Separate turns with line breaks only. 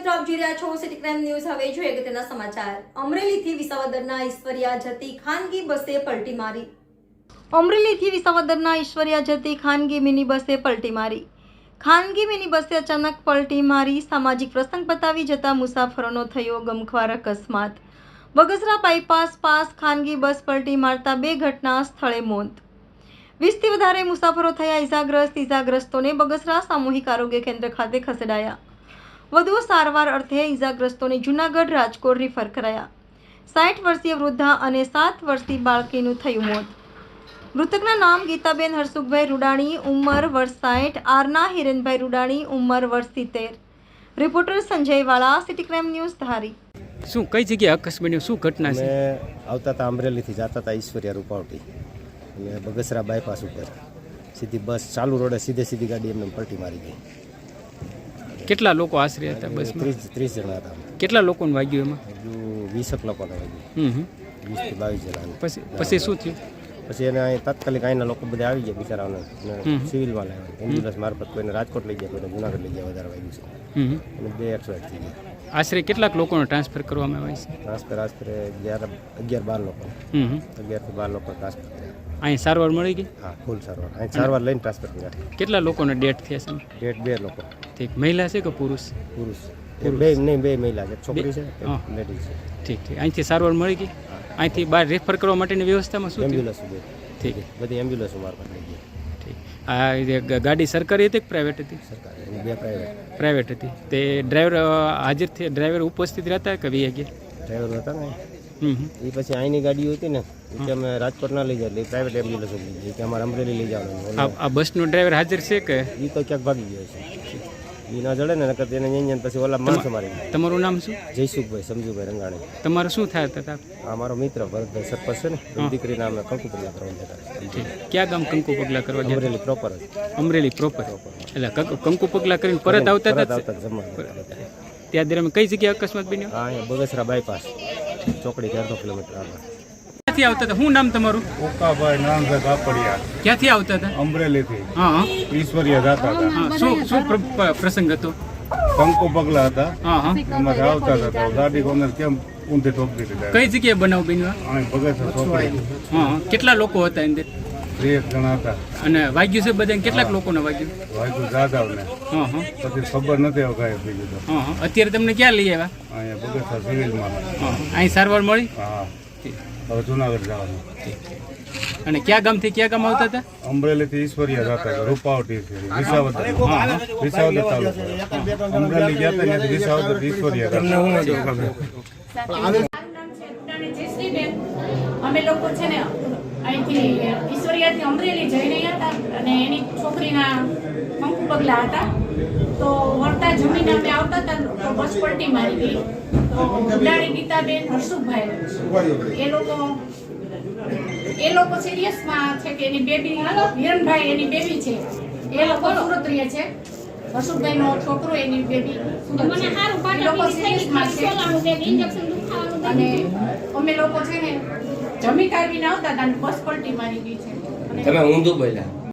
મિત્રો આપ જોઈ રહ્યા છો સિટી ક્રાઇમ ન્યૂઝ। હવે જોઈએ અગત્યના સમાચાર। અમરેલીથી વિસાવદરના ઈશ્વરિયા જતી ખાનગી બસે પલટી મારી। અમરેલીથી વિસાવદરના ઈશ્વરિયા જતી ખાનગી મિની બસે પલટી મારી। ખાનગી મિની બસે અચાનક પલટી મારી સામાજિક પ્રસંગ બતાવી જતા મુસાફરોનો થયો ગમખ્વાર અકસ્માત। બગસરા બાયપાસ પાસ ખાનગી બસ પલટી મારતા બે ઘટના સ્થળે મોત। 20થી વધારે મુસાફરો થયા ઈજાગ્રસ્તોને બગસરા સામૂહિક આરોગ્ય કેન્દ્ર ખાતે ખસેડાયા। વધુ સારવાર અર્થે ઈજાગ્રસ્તોને જૂનાગઢ રાજકોટ રિફર કરાયા। 60 વર્ષીય વૃદ્ધા અને 7 વર્ષીય બાળકીનું થયું મોત। મૃતકના નામ ગીતાબેન હરસુખભાઈ રૂડાણી ઉંમર વર્ષ 60, આરના હિરેનભાઈ રૂડાણી ઉંમર વર્ષ 70। રિપોર્ટર સંજય વાળા, સિટી ક્રાઇમ ન્યૂઝ ધારી।
શું કઈ જગ્યાએ અકસ્માત શું ઘટના છે?
આવતા હતા અમરેલીથી જતા હતા ઈશ્વરિયા રૂપાવટી અને બગસરા બાયપાસ ઉપર સીધી બસ ચાલુ રોડે સીધી ગાડી એમને પલટી મારી ગઈ।
કેટલા લોકો આશરે હતા બસમાં?
30 જણા હતા।
કેટલા લોકોને વાગ્યું એમાં?
હજુ 20 લોકોને વાગ્યું। 20 થી 22 જણા।
પછી શું થયું?
પછી એને અહીં તાત્કાલિક અહીંના લોકો બધા આવી ગયા બિચારાઓને સિવિલમાં લાવ્યા। એમ્બ્યુલન્સ મારફત કોઈને રાજકોટ લઈ ગયા, કોઈને જૂનાગઢ લઈ ગયા। વધારે વાગ્યું છે અને 2 એક્સિડન્ટ થઈ ગયા।
આશરે કેટલાક લોકોને ટ્રાન્સફર કરવામાં આવ્યા છે?
ટ્રાન્સફર આશરે 11-12 લોકો 11 થી 12 લોકો ટ્રાન્સફર કર્યા।
અહીં સારવાર મળી ગઈ?
હા, ફૂલ સારવાર। અહીં સારવાર લઈને ટ્રાન્સફર કર્યા।
કેટલા લોકોને ડેથ થયા છે?
ડેટ 2 લોકો।
ઠીક, મહિલા છે કે પુરુષ?
પુરુષ બે નહીં, 2 મહિલા છે, છોકરી છે, લેડીઝ છે।
ઠીક ઠીક, અહીંથી સારવાર મળી ગઈ? અહીંથી બહાર રેફર કરવા માટેની વ્યવસ્થામાં શું થયું?
એમ્બ્યુલન્સ
ઠીક,
બધી એમ્બ્યુલન્સ મારફત લઈ ગઈ।
ઠીક, આ ગાડી સરકારી હતી કે પ્રાઇવેટ હતી?
સરકારી, 2 પ્રાઇવેટ।
પ્રાઇવેટ હતી। તે ડ્રાઈવર હાજર થયા, ડ્રાઈવર ઉપસ્થિત રહેતા કે વી ગયા?
ડ્રાઈવર હતા ને એ પછી અહીંની ગાડીઓ હતી ને કે અમે રાજકોટ ના લઈ જાય એટલે પ્રાઇવેટ એમ્બ્યુલન્સ લઈ જાય કે અમારે અમરેલી લઈ જવાનું।
આ બસનો ડ્રાઈવર હાજર છે કે?
એ તો ક્યાંક ભાગી ગયો છે, એ ના જડે ને નકર એને અહીંયા પછી ઓલા માણસો મારી ગયા।
તમારું નામ શું?
જયસુખભાઈ સમજુભાઈ રંગાણી।
તમારું શું થાય હતા?
આ મારો મિત્ર ભરતભાઈ સરપંચ છે ને, એની દીકરીના અમે કંકુ પગલા કરવા જતા।
ક્યાં ગામ કંકુ પગલા કરવા ગયા?
અમરેલી પ્રોપર જ।
અમરેલી પ્રોપર। એટલે કંકુ પગલા કરીને પરત આવતા હતા? ત્યાં દરમિયાન કઈ જગ્યાએ અકસ્માત બન્યો?
હા, અહીંયા બગસરા બાયપાસ ચોકડી 4 કિલોમીટર આગળ।
ક્યાંથી આવતા હતા? શું નામ તમારું?
ઓકાભાઈ નામભાઈ કાપડિયા।
ક્યાંથી આવતા હતા?
અમરેલીથી
હા
ઈશ્વરિયા જતા હતા।
હા, શું પ્રસંગ હતો?
કંકુ પગલા હતા,
હા
એમાંથી આવતા હતા તો ગાડી કોને કેમ ઊંધી ઠોકી દીધી।
કઈ જગ્યાએ બનાવ બન્યો?
અહીં બગસરા ચોકડી।
હા, કેટલા લોકો હતા અંદર?
3 જણા હતા।
અને વાગ્યું છે બધાને? કેટલાક લોકોને વાગ્યું?
વાયકુ જાદવને
હા
પછી ખબર નથી હવે કાંઈ બીજું તો।
હા, અત્યારે તમને ક્યાં લઈ આવ્યા?
અહીંયા બગસરા સિવિલમાં।
હા, અહીં સારવાર મળી?
હા, હવે જુનાગઢ જવાનું।
અને કયા ગામથી કયા ગામ આવતા હતા?
અમરેલીથી ઈશ્વરિયા જતા હતા, રૂપાવટી વિસાવદર તાલુકો। અમરેલી ગયા હતા ને વિસાવદર ઈશ્વરિયા।
અમે લોકો છે ને અહીંથી ઈશ્વરિયાથી અમરેલી જઈ રહ્યા હતા અને એની છોકરીના કંકુ પગલા હતા તો વળતા જમીને અમે આવતા હતા તો બસ પલટી મારી ગઈ। તો ઉડાણી ગીતાબેન હરસુખભાઈ એ લોકો સિરિયસમાં છે કે એની બેબી હિરણભાઈ એની બેબી છે, એ લોકો સુરત રહે છે। હરસુખભાઈનો છોકરો એની બેબી સુરત છે, એ લોકો સિરિયસમાં છે અને અમે લોકો છે ને જમી કાઢીને આવતા હતા અને બસ પલટી મારી ગઈ છે।
તમે ઊંધું બોલ્યા।